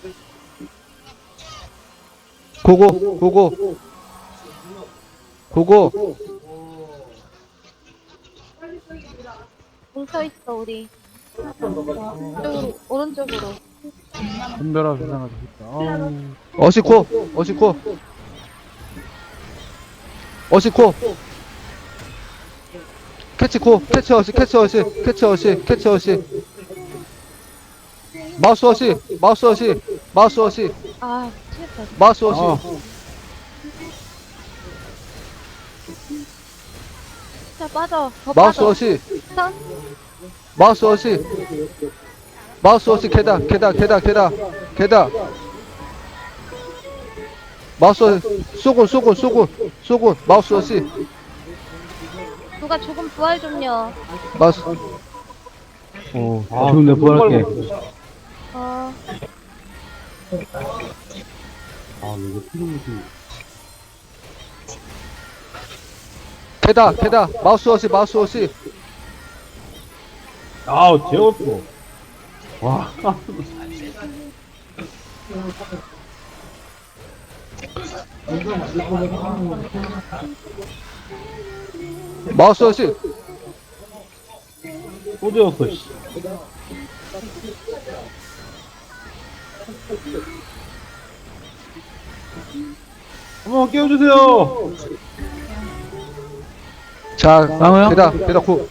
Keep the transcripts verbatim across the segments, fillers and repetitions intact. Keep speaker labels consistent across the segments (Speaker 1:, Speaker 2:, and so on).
Speaker 1: 고고 고고 고고.
Speaker 2: 뭉쳐있어 우리. 이쪽으로 오른쪽으로.
Speaker 3: 분별아 세상아 좋겠다. 아우.
Speaker 1: 어시코 어시코 어시코 캐치코 캐치 어시 캐치 어시 캐치 어시 캐치 어시 마우스 어시 마우스 어시 마우스 어시
Speaker 2: 아 미치겠다.
Speaker 1: 마우스 어시
Speaker 3: 아.
Speaker 2: 자 빠져. 더
Speaker 1: 마우스
Speaker 2: 빠져.
Speaker 1: 어시
Speaker 2: 선.
Speaker 1: 마우스 어시 마우스 어시 계단 계단 계단 계단 계단 마우스 어시 쏘군 쏘군 쏘군 쏘군 마우스 어시
Speaker 2: 누가 조금 부활 좀요.
Speaker 1: 마우스
Speaker 3: 오. 아, 지금 내가 부활할게.
Speaker 2: 어.
Speaker 3: 아, 이거 필요무지.
Speaker 1: 계단 계단 마우스 어시 마우스 어시
Speaker 3: 아우, 재웠어. 와.
Speaker 1: 마우스 어시
Speaker 3: 또 재웠어, 씨. 한번 깨워주세요.
Speaker 1: 자
Speaker 3: 쌍호야?
Speaker 1: 계단 계단 고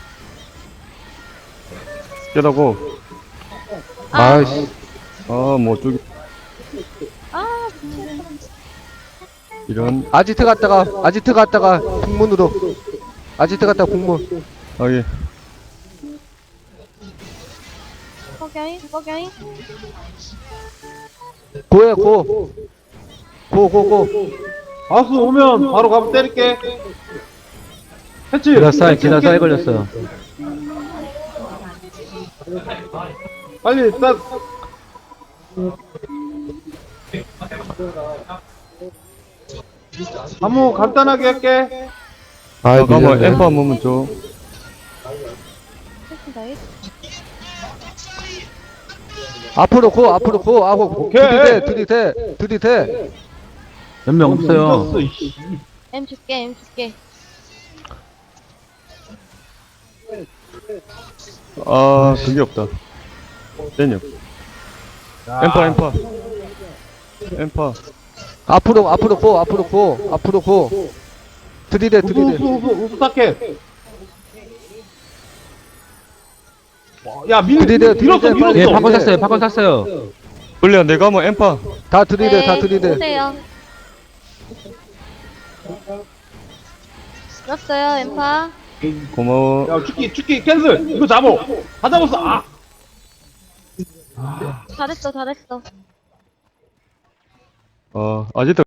Speaker 4: 깨다고.
Speaker 1: 아이씨
Speaker 4: 아, 뭐, 저기,
Speaker 2: 아 미치겠다.
Speaker 4: 이런.
Speaker 1: 아지트 갔다가 아지트 갔다가 북문으로 아지트 갔다가 북문
Speaker 4: 아, 예.
Speaker 2: 거기아이 거기아이.
Speaker 1: 고해 고 고 고고
Speaker 3: 바스 오면 바로 가면 때릴게. 했지?
Speaker 5: 기다 사이, 기다 사이 걸렸어요.
Speaker 3: 빨리, 딱. 한번 간단하게 할게.
Speaker 1: 아이
Speaker 4: 잠깐만,
Speaker 1: 밀렸네.
Speaker 4: 엠파 한 번만 줘.
Speaker 2: 했습니다.
Speaker 1: 앞으로 고 앞으로 고 하고
Speaker 3: 오케이.
Speaker 1: 들이대 들이대 들이대
Speaker 5: 몇 명 없어요.
Speaker 3: 늦었어, 이씨.
Speaker 2: M 줄게 M 줄게.
Speaker 4: 아, 그게 없다. 떼녀. 엠파, 엠파. 엠파.
Speaker 1: 앞으로 앞으로 고 앞으로 고 앞으로 고 들이대
Speaker 3: 우수,
Speaker 1: 들이대
Speaker 3: 우수, 우수, 우수 타켓. 와, 야, 밀,
Speaker 1: 들이대,
Speaker 3: 밀었어,
Speaker 1: 들이대,
Speaker 3: 밀었어.
Speaker 1: 빨리.
Speaker 5: 예, 팝콘 샀어요, 팝콘 샀어요.
Speaker 4: 원래 내가 뭐 엠파.
Speaker 1: 다 들이대 다
Speaker 2: 네,
Speaker 1: 들이대
Speaker 2: 보세요. 들었어요 엠파.
Speaker 4: 고마워.
Speaker 3: 야, 축기, 축기, 캔슬. 이거 잡어. 다 잡았어. 아.
Speaker 2: 잘했어 잘했어.
Speaker 4: 어, 아직도